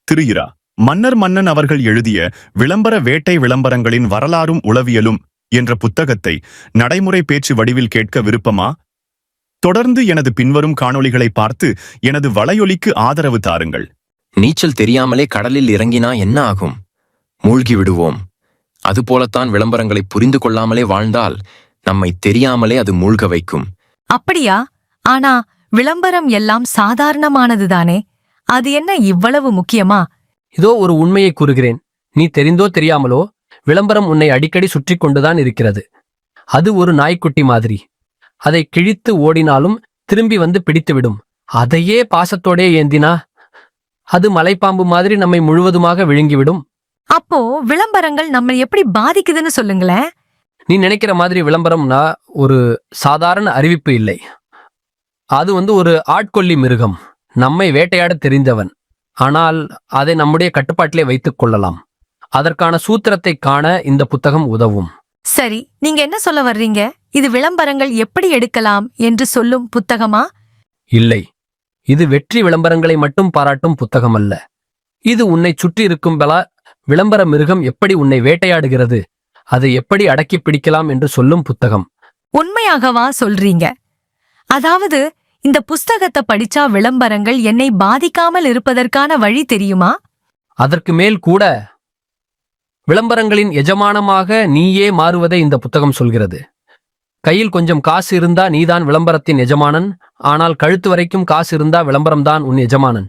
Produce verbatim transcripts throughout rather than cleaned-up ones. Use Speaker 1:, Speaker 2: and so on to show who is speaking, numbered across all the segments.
Speaker 1: திரு இரா மன்னர் மன்னன் அவர்கள் எழுதிய விளம்பர வேட்டை விளம்பரங்களின் வரலாறும் உளவியலும் என்ற புத்தகத்தை நடைமுறை பேச்சு வடிவில் கேட்க விருப்பமா? தொடர்ந்து எனது பின்வரும் காணொளிகளை பார்த்து எனது வலையொலிக்கு ஆதரவு தாருங்கள்.
Speaker 2: நீச்சல் தெரியாமலே கடலில் இறங்கினா என்ன ஆகும்? மூழ்கி விடுவோம். அதுபோலத்தான் விளம்பரங்களை புரிந்து கொள்ளாமலே வாழ்ந்தால் நம்மை தெரியாமலே அது மூழ்க வைக்கும்.
Speaker 3: அப்படியா? ஆனா விளம்பரம் எல்லாம் சாதாரணமானதுதானே, அது என்ன இவ்வளவு முக்கியமா?
Speaker 4: இதோ ஒரு உண்மையை கூறுகிறேன். நீ தெரிந்தோ தெரியாமலோ விளம்பரம் உன்னை அடிக்கடி சுற்றி கொண்டுதான் இருக்கிறது. அது ஒரு நாய்க்குட்டி மாதிரி. அதை கிழித்து ஓடினாலும் திரும்பி வந்து பிடித்துவிடும். அதையே பாசத்தோடே ஏந்தினா அது மலைப்பாம்பு மாதிரி நம்மை முழுவதுமாக விழுங்கிவிடும்.
Speaker 3: அப்போ விளம்பரங்கள் நம்ம எப்படி பாதிக்குதுன்னு சொல்லுங்களேன்.
Speaker 4: நீ நினைக்கிற மாதிரி விளம்பரம்னா ஒரு சாதாரண அறிவிப்பு இல்லை. அது வந்து ஒரு ஆட்கொல்லி மிருகம், நம்மை வேட்டையாட தெரிந்தவன். ஆனால் அதை நம்முடைய கட்டுப்பாட்டிலே வைத்துக் கொள்ளலாம். அதற்கான சூத்திரத்தை காண இந்த புத்தகம் உதவும்.
Speaker 3: சரி, நீங்க என்ன சொல்ல வர்றீங்க? இது விளம்பரங்கள் எப்படி எடுக்கலாம் என்று சொல்லும் புத்தகமா?
Speaker 4: இல்லை, இது வெற்றி விளம்பரங்களை மட்டும் பாராட்டும் புத்தகம் அல்ல. இது உன்னை சுற்றி இருக்கும் பல விளம்பர மிருகம் எப்படி உன்னை வேட்டையாடுகிறது, அதை எப்படி அடக்கி பிடிக்கலாம் என்று சொல்லும் புத்தகம்.
Speaker 3: உண்மையாகவா சொல்றீங்க? அதாவது இந்த புஸ்தகத்தை படிச்சா விளம்பரங்கள் என்னை பாதிக்காமல் இருப்பதற்கான வழி தெரியுமா?
Speaker 4: அதற்கு மேல் கூட விளம்பரங்களின் எஜமானமாக நீயே மாறுவதை இந்த புத்தகம் சொல்கிறது. கையில் கொஞ்சம் காசு இருந்தா நீதான் விளம்பரத்தின் எஜமானன். ஆனால் கழுத்து வரைக்கும் காசு இருந்தா விளம்பரம்தான் உன் எஜமானன்.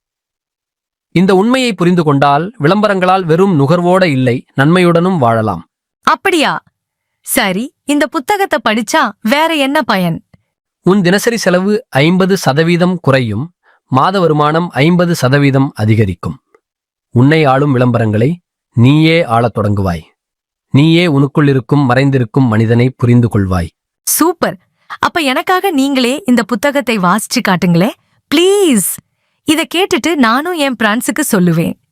Speaker 4: இந்த உண்மையை புரிந்து கொண்டால் விளம்பரங்களால் வெறும் நுகர்வோட இல்லை, நன்மையுடனும் வாழலாம்.
Speaker 3: அப்படியா? சரி, இந்த புத்தகத்தை படிச்சா வேற என்ன பயன்?
Speaker 4: உன் தினசரி செலவு ஐம்பது சதவீதம் குறையும், மாத வருமானம் ஐம்பது சதவீதம் அதிகரிக்கும். உன்னை ஆளும் விளம்பரங்களை நீயே ஆளத் தொடங்குவாய். நீயே உனக்குள் இருக்கும் மறைந்திருக்கும் மனிதனை புரிந்து கொள்வாய்.
Speaker 3: சூப்பர். அப்ப எனக்காக நீங்களே இந்த புத்தகத்தை வாசிச்சு காட்டுங்களே, ப்ளீஸ். இத கேட்டுட்டு நானும் என் பிரான்ஸுக்கு சொல்லுவேன்.